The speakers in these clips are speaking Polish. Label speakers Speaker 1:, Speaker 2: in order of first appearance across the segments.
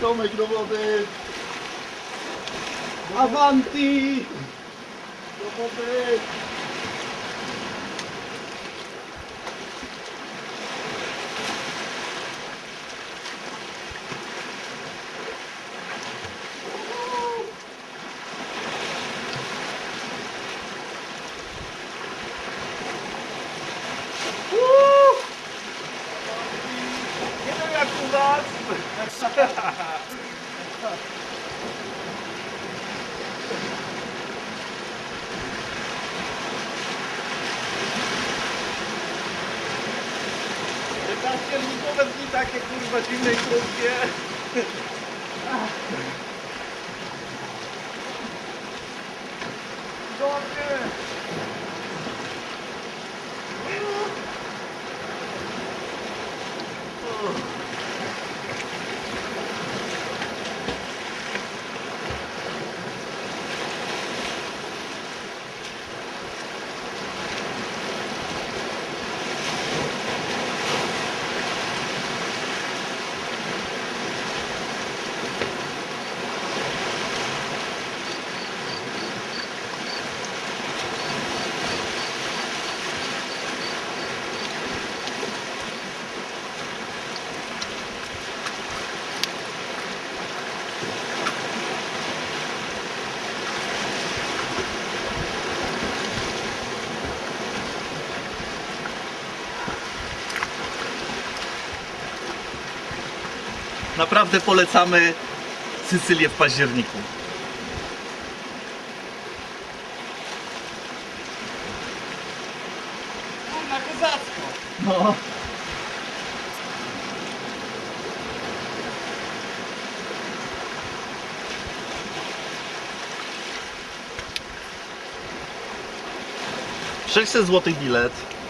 Speaker 1: Tomek do wody! Avanti! Do wody! Nie wiem jak u nas! Październikowe dni takie kurwa zimne i krótkie. Dobry. Naprawdę polecamy Sycylię w październiku. Kurna, kozacko! No. $600 bilet.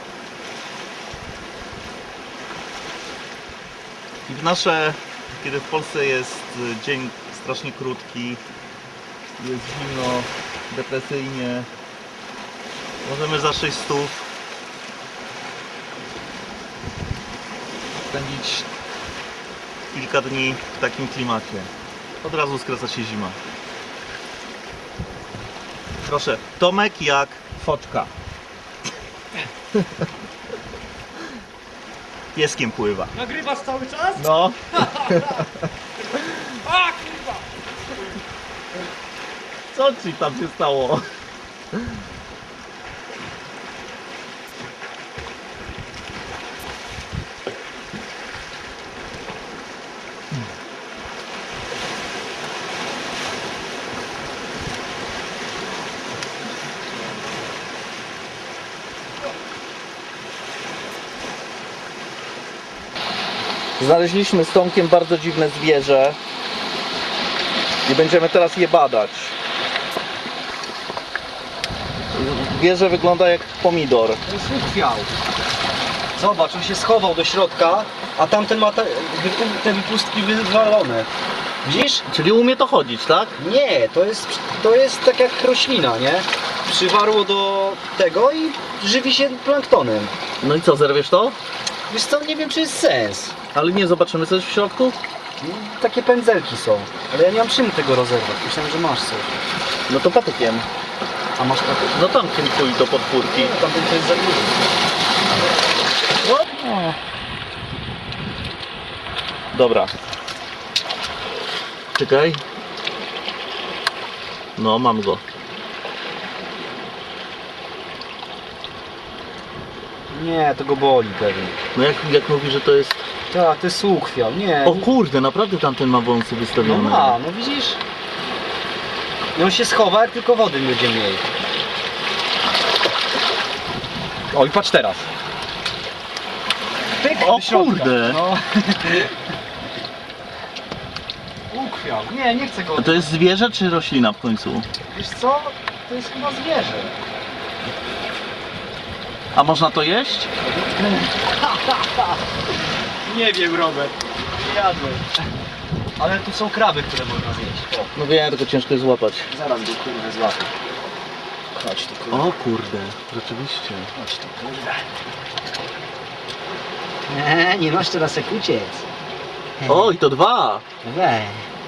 Speaker 1: I w nasze, kiedy w Polsce jest dzień strasznie krótki, jest zimno, depresyjnie, możemy za 600 spędzić kilka dni w takim klimacie. Od razu skraca się zima. Proszę, Tomek jak foczka. Pieskiem pływa.
Speaker 2: Nagrywasz cały czas?
Speaker 1: No.
Speaker 2: A kurwa!
Speaker 1: Co ci tam się stało? Znaleźliśmy z Tomkiem bardzo dziwne zwierzę i będziemy teraz je badać. Zwierzę wygląda jak pomidor.
Speaker 2: To jest uchwiał. Zobacz, on się schował do środka, a tamten ma te wypustki wywalone. Widzisz?
Speaker 1: Czyli umie to chodzić, tak?
Speaker 2: Nie, to jest tak jak roślina, nie? Przywarło do tego i żywi się planktonem.
Speaker 1: No i co, zerwiesz to?
Speaker 2: Wiesz co, nie wiem czy jest sens.
Speaker 1: Ale nie zobaczymy coś w środku?
Speaker 2: Takie pędzelki są, ale ja nie mam czym tego rozerwać. Myślałem, że masz coś.
Speaker 1: No to patykiem.
Speaker 2: A masz patyk?
Speaker 1: No tam tym chuj do podpórki.
Speaker 2: Tamten to jest za duży.
Speaker 1: Dobra. Czekaj. No, mam go.
Speaker 2: Nie, to go boli pewnie.
Speaker 1: No jak mówi, że to jest...
Speaker 2: Tak, to jest uchwiał, nie.
Speaker 1: O kurde, naprawdę tamten ma wąsy
Speaker 2: No
Speaker 1: wystawione.
Speaker 2: ma, no widzisz? I on się schowa, jak tylko wody będzie mniej. O i patrz teraz. Pyk,
Speaker 1: O
Speaker 2: do środka.
Speaker 1: kurde.
Speaker 2: No. Uchwiał. Nie, nie chcę go.
Speaker 1: A to jest zwierzę czy roślina w końcu?
Speaker 2: Wiesz co? To jest chyba zwierzę.
Speaker 1: A można to jeść?
Speaker 2: Nie wiem, Robert. Jadłem. Ale tu są kraby, które można zjeść. O,
Speaker 1: No wiem, tylko ciężko jest złapać.
Speaker 2: zaraz go kurde złapię. Chodź tu kurde.
Speaker 1: O kurde, rzeczywiście.
Speaker 2: Chodź tu kurde. Nie masz teraz jak uciec.
Speaker 1: Oj, to 2.
Speaker 2: Weź.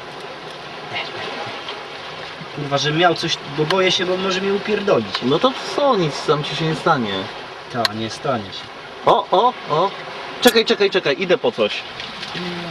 Speaker 2: Kurwa, że miał coś, bo boję się, bo może mnie upierdolić.
Speaker 1: No to co, nic tam ci się nie stanie.
Speaker 2: Ta, nie stanie się.
Speaker 1: O. Czekaj, idę po coś.